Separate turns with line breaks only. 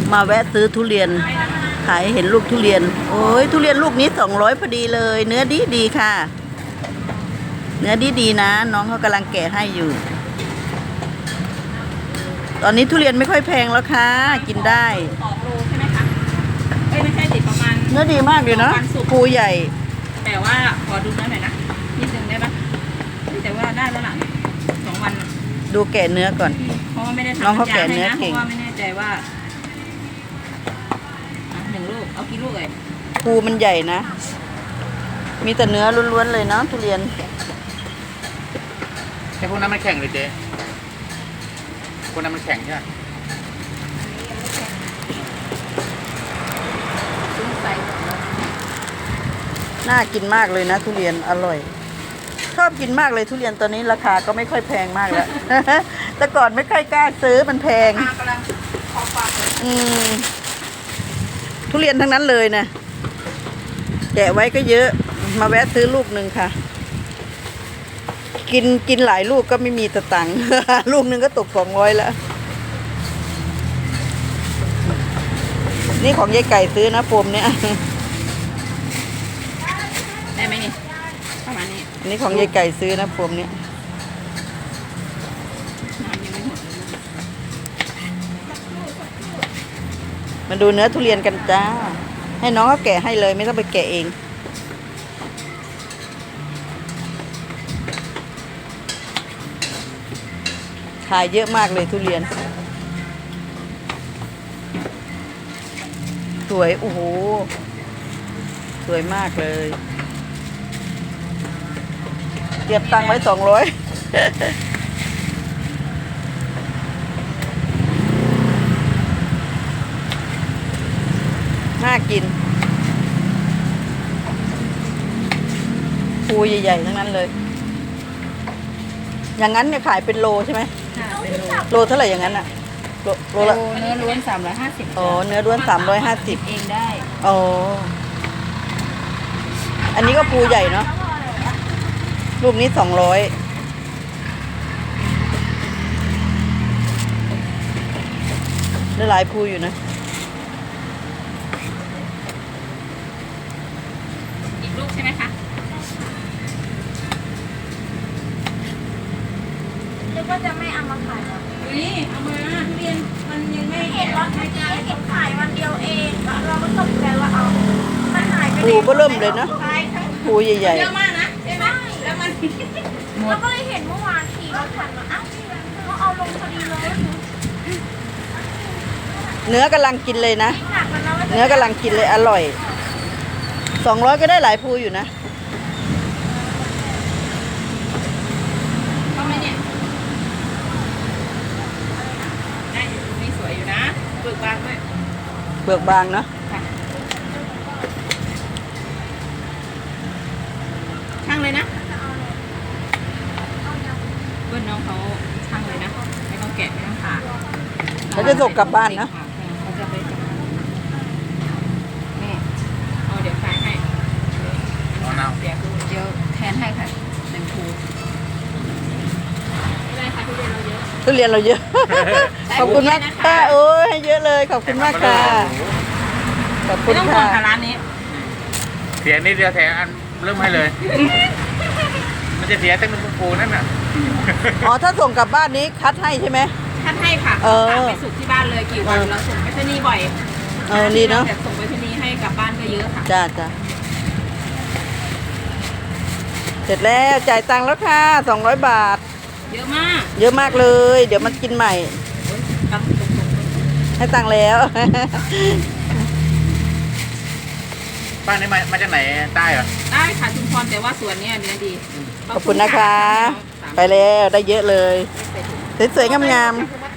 มาแวะซื้อทุเรียนขายเห็นลูกทุเรียนโอ้ยทุเรียนลูกนี้200พอดีเลย เนื้อดีดีค่ะ เนื้อดีดีนะน้องเขากำลังแกะให้อยู่ ตอนนี้ทุเรียนไม่ค่อยแพงแล้วค่ะกินได้
2 โลใช่ไหมคะไม่ใช่ติดประมาณ
เนื้อดีมากเลยเนาะภูใหญ่
แต่ว่าขอดูเนื้อหน่อยนะนิดนึงได้ปะแต่ว่าได้แล้วล่ะ2 วัน
ดูแกะเนื้อก่อน
เพราะว่าไม่ได้ทำ
น้องเขาแกะเนื้อเก่ง
เพราะว่าไม่แน่ใจว่า1 ลูกเอากี่ลูกเลย
ภูมันใหญ่นะมีแต่เนื้อล้วนๆเลยเนาะทุเรียน
ไอ้พวกนั้นมันแข็งเลยเจ๊พวกนั้นมันแข็งใช่ไหม
น่ากินมากเลยนะทุเรียนอร่อยชอบกินมากเลยทุเรียนตอนนี้ราคาก็ไม่ค่อยแพงมากแล้ว แต่ก่อนไม่ค่อยกล้าซื้อมันแพงทุเรียนทั้งนั้นเลยนะแกะไว้ก็เยอะมาแวะซื้อลูกหนึ่งค่ะกินหลายลูกก็ไม่มีตังค์ ลูกหนึ่งก็ตก200แล้วนี่ของยายไก่ซื้อนะโฟมเนี่ย
ได้ไหมนี่ประมาณนี้
อันนี้ของยายไก่ซื้อนะโฟมเนี่ยมาดูเนื้อทุเรียนกันจ้าให้น้องเขาแกะให้เลยไม่ต้องไปแกะเองขายเยอะมากเลยทุเรียนสวยโอ้โหสวยมากเลยเก็บตังค์ไว้200น่ากินภูใหญ่ๆทั้งนั้นเลยอย่างนั้นเนี่ยขายเป็นโลใช่ไหมโลเท่าไหร่อย่างนั้นอะโลละ
เนื้อล้วน350
อ๋อเนื้อล้วน350
เองได้
อ๋ออันนี้ก็ภูใหญ่เนาะรูปนี้200ได้หลายภูอยู่นะ
อีกลูกใช่ไหมคะ
นึกว่าจะไม่เอามาขายหรอ
นี่เอามาทุเรียนมันยังไม่
เห็นรถเมื่อกี้เห็นขายวันเดียวเองเราก็ตกใจว่าเอามันหายไป
ภูก็เริ่มเลยนะภูใหญ่
เยอะมากนะใช่ไหมแล้วมัน
แล้วก็เลยเห็นเมื่อวานขี่รถผ่านมาอ้าวเขาเอาลงพอดีเลย
เนื้อกำลังกินเลยนะ
หนักมันแล้ว
เนื้อกำลังกินเลยอร่อย200ก็ได้หลายภูอยู่นะ
เข้าไหมเนี่ยได้อยู่นี่สวยอยู่นะเปลือกบางด้วย
เปลือกบางเนาะ
ช่างเลยนะเพื่อนน้องเขาช่างเลยนะไม่ต้องแกะไม่ต้องผ่า
เขาจะส่งกลับบ้านนะ
เขาจะไปนี่เอาเดี๋ยวขายให้เดี๋ยวแทนให้ค่ะ1 ภูไม่ได้ค่ะทุเรียนเราเยอะ
ทุเรียนเราเยอะ ขอบคุณมากค่ะโอ้ยให้เยอะเลยขอบคุณมากค่ะขอบคุ
ไม่
ณ
ต้องห่ว
ค่ะ
งค่ะร้านนี้
เสียนิดเดียวแถมอันเริ่มให้เลย มันจะเสียตั้งเป็นปูนั่นน่ะ
อ๋อถ้าส่งกลับบ้านนี้คัดให้ใช่ไหม
คัดให้ค่ะฝากไปสุกที่บ้านเลยกี่วันเราส่งไปที่นี่บ่อย
ดีเนาะ
แต่ส่งไปที่นี่ให้กลับบ้านก็เยอะค่ะ
จ้าเสร็จแล้วจ่ายตังค์แล้วค่ะ200 บาท
เยอะมาก
เยอะมากเลยเดี๋ยวมันกินใหม่ให้ตังค์แล้ว
บ้านนี้มาจากไหนใต้เหรอ
ได้ค่ะชุมพรแต่ว่าสวนเนี่ยเนื้อดี
ขอบคุณนะคะไปแล้วได้เยอะเลยสวยๆงามๆ